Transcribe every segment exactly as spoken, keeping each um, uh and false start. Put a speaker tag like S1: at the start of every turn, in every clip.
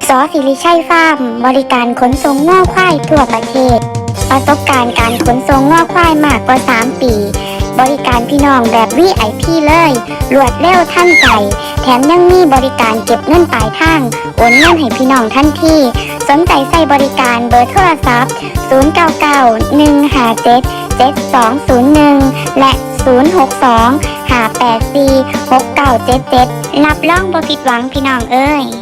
S1: สศิริชัยฟาร์มบริการขนส่งง้อควายทั่วประเทศประสบการณ์การขนส่งง้อควายมากกว่าสามปีบริการพี่น้องแบบ วี ไอ พี เลยรวดเร็วทันใจแถมยังมีบริการเก็บเงินปลายทางโอนเงินให้พี่น้องทันทีสนใจใส่บริการเบอร์โทรศัพท์ศูนย์ เก้า เก้า หนึ่ง ห้า เจ็ด เจ็ด สอง ศูนย์ หนึ่งและศูนย์ หก สอง ห้า แปด สี่ หก เก้า เจ็ด เจ็ดรับรองบ่ผิดหวังพี่น้องเอ้ย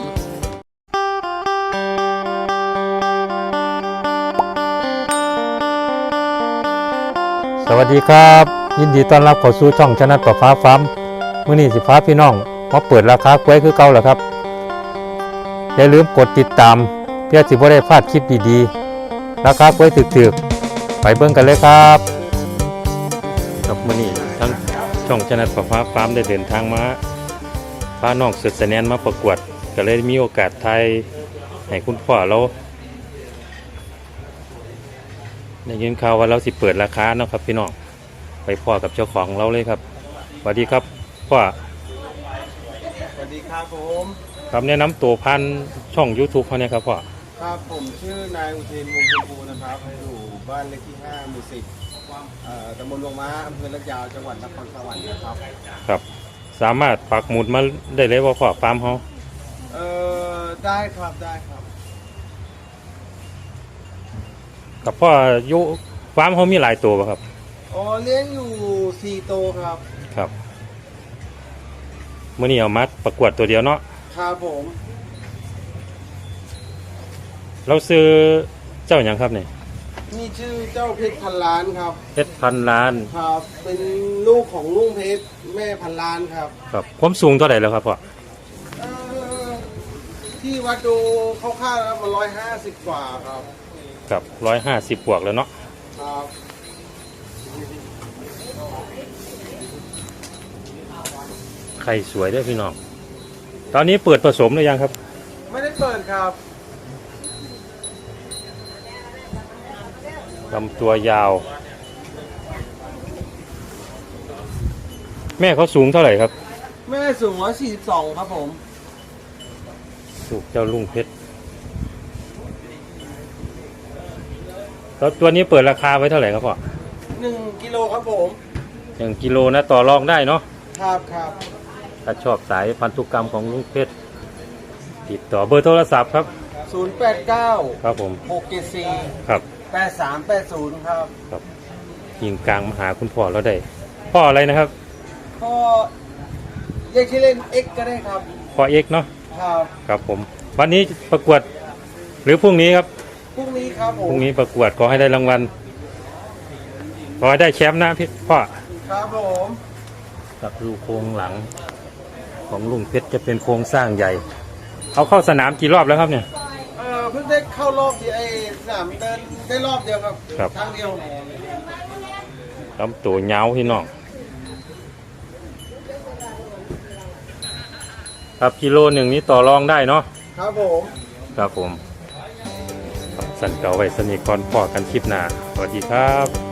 S2: สวัสดีครับยินดีต้อนรับเข้าสู่ช่องชนะประฟ้าฟาร์มมื้อนี้สิฟ้าพี่น้องมาเปิดราคากล้วยคือเก่าแล้วครับอย่าลืมกดติดตามเพื่อสิบ่ได้พลาดคลิปดีๆราคากล้วยถึกๆไปเบิ่งกันเลยครับครับมื้อนี้ทั้งช่องชนะประฟ้าฟาร์มได้เดินทางมาพาน้องสุดแสนนมาประกวดก็เลยมีโอกาสถ่ายให้คุณพ่อเราได้ยินข่าวว่าเราสิเปิดราคาเนาะครับพี่น้องไปพ่อกับเจ้าของเราเลยครับสวัสดีครับพ่อ
S3: สวัสดีครับผม
S2: ครับแนะนำตัวพันช่อง YouTube เขาเนี่ยครับพ่อ
S3: ครับผมชื่อนายอุเทนวงศ์ชมพูนะครับอยู่บ้านเลขที่ห้าหมู่สิบตำบลวงม้าอำเภอลาดยาวจังหวัดนครสวรรค์นะครับ
S2: ครับสามารถปักหมุดมาได้เลยว่าพ่อฟาร์มเขา
S3: เออได้ครับได้ครับ
S2: กับพ่อยุฟาร์มเขามีหลายตัวป่ะครับ
S3: อ๋อเลี้ยงอยู่สี่ตัวครับ
S2: ครับเมื่อนี้เอามาประกวดตัวเดียวเนาะ
S3: ครับผม
S2: เราซื้อเจ้าอย่างครับเนี่ย
S3: นี่ชื่อเจ้าเพชรพันล้านครับ
S2: เพชรพันล้าน
S3: ครับเป็นลูกของลุงเพชรแม่พันล้านครับ
S2: ครับความสูงเท่าไหร่แล้วครับพ่อ
S3: ที่วัดดูคร่าวๆแล้วมันร้อยห้าสิบกว่าครับ
S2: ครับร้อยห้าสิบบวกแล้วเนาะ
S3: ครับ
S2: ไข่สวยด้วยพี่น้องตอนนี้เปิดผสมหรือยังครับ
S3: ไม่ได้เปิดครับ
S2: ลำตัวยาวแม่เขาสูงเท่าไหร่ครับ
S3: แม่สูงร้อยสี่สิบสองครับผม
S2: สูงเจ้าลุงเพชรแล้วตัวนี้เปิดราคาไว้เท่าไหร่ครับพ่อ
S3: หนึ่งกิโลครับผม
S2: หนึ่งกิโลนะต่อรองได้เนาะ
S3: ครับครับ
S2: ถ้าชอบสายพันธุกรรมของลุงเพชรติดต่อเบอร์โทรศัพท์ครับ
S3: ศูนย์แปดเก้า
S2: ครับผม
S3: หกเจ็ดสี่
S2: ครับ
S3: แปดสามแปดศูนย์ครับ
S2: ครับยิงกลางมาหาคุณพ่อเราได้พ่ออะไรนะครับ
S3: พ่อเรียกชื่อเล่นเอ็กก็ได้ครับ
S2: พ่อเอ็กเนาะ
S3: ครับ
S2: ครับผมวันนี้ประกวดหรือพรุ่งนี้ครับ
S3: พรุ่งนี้ครับผม
S2: พรุ่งนี้ประกวดขอให้ได้รางวัลขอให้ได้แชมป์นะพี่พ่อ
S3: ครับผม
S2: กับดูโครงหลังของลุงเพชรจะเป็นโครงสร้างใหญ่เขาเข้าสนามกี่รอบแล้วครับเนี่ย
S3: เออเพิ่งได้เข้ารอบที่ไอ้สนามเดินได้รอบเดียวครับ
S2: ครับ
S3: ครั้งเดียว
S2: ลำตัวเงาพี่น้องครับกิโลหนึ่งนี้ต่อรองได้เนาะ
S3: ครับผม
S2: ครับผมสั่นเก่าไว้สนิทก่อนพอกันคลิปหน้าสวัสดีครับ